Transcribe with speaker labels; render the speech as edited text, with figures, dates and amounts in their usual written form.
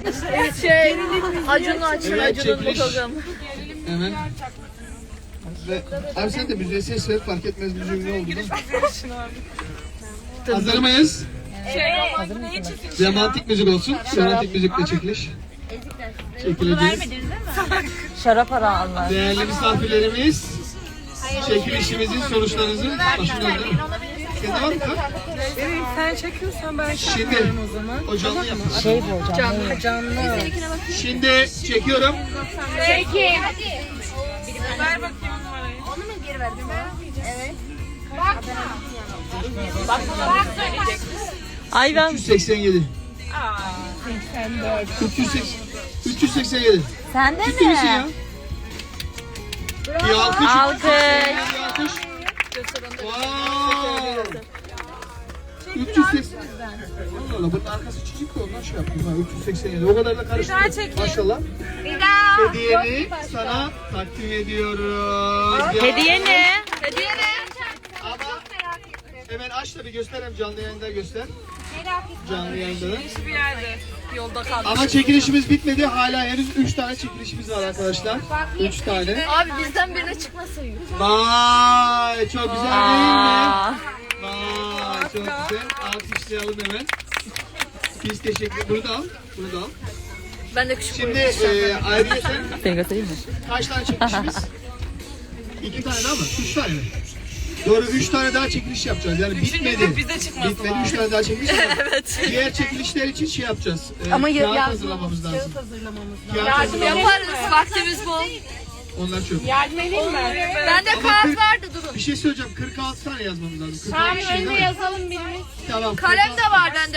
Speaker 1: Acun'un açın,
Speaker 2: Evet,
Speaker 1: Acun'un
Speaker 2: çekiliş.
Speaker 1: bakalım.
Speaker 2: Hemen. Ve abi sen de müziğe ses ver, fark etmez müziğin ne olduğunu. Hazır mıyız? Romantik müzik olsun. Romantik müzikle çekiliş. Çekileceğiz.
Speaker 1: Şarap ara Allah.
Speaker 2: Değerli misafirlerimiz, çekilişimizin sonuçlarınızı başlıyoruz. Senin var mı kart?
Speaker 3: Evet, sen çekiyorsan ben
Speaker 2: Şimdi
Speaker 3: çekmiyorum o zaman.
Speaker 2: o canlı yapalım.
Speaker 1: Şey bu hocam.
Speaker 3: Canlı.
Speaker 2: Şimdi çekiyorum.
Speaker 3: Ver bakayım numarayı.
Speaker 1: Ay ben
Speaker 2: 387. 387.
Speaker 1: sen de
Speaker 2: Ciddi misin ya?
Speaker 1: mi?
Speaker 2: Bir alkış.
Speaker 1: Alkış.
Speaker 2: Bir alkış. Wow. 380. Allah Allah, bunun arkası çiçek de ondan şey yaptım. Ha, 387. O kadar da karıştırdım. Maşallah. Hediyeni sana takdim ediyoruz.
Speaker 1: Hediye ne?
Speaker 2: Ama hemen aç da bir göster, hem canlı yayında göster. Canlı yayında da.
Speaker 3: Bir yerde. Yolda kaldım.
Speaker 2: Ama çekilişimiz bitmedi. Hala henüz 3 tane çekilişimiz var arkadaşlar. 3 tane.
Speaker 1: Abi bizden birine çıkmasın.
Speaker 2: Vay, çok güzel değil mi?
Speaker 1: Aa.
Speaker 2: Vay, çok güzel. Alkışlayalım hemen. Biz teşekkür. Bunu da al. Bunu da al.
Speaker 1: Ben de küçük
Speaker 2: Şimdi ayrıca sen
Speaker 1: Seni göstereyim mi?
Speaker 2: kaç tane çekilişimiz? 2 tane daha mı? 3 tane mi? Doğru, 3 tane daha çekiliş yapacağız. Yani bitmedi.
Speaker 3: bize çıkmasın.
Speaker 2: Bitmedi, 3 tane daha çekiliş yapacağız. Evet. Diğer çekilişler için şey yapacağız.
Speaker 1: Ama
Speaker 2: kağıt
Speaker 1: yardım-
Speaker 2: hazırlamamız lazım.
Speaker 3: hazırlamamız
Speaker 2: Kağıt hazırlamamız.
Speaker 1: Yaparız. Vaktimiz bol.
Speaker 2: Onlar çok.
Speaker 3: Yardım edeyim mi?
Speaker 1: Bende kağıt vardı durun.
Speaker 2: Bir şey söyleyeceğim. 46 tane yazmamız lazım. 46
Speaker 3: Tamam,
Speaker 2: kişi değil
Speaker 3: önce
Speaker 2: mi?
Speaker 3: yazalım birimiz.
Speaker 2: Tamam.
Speaker 1: Kalem de var bende.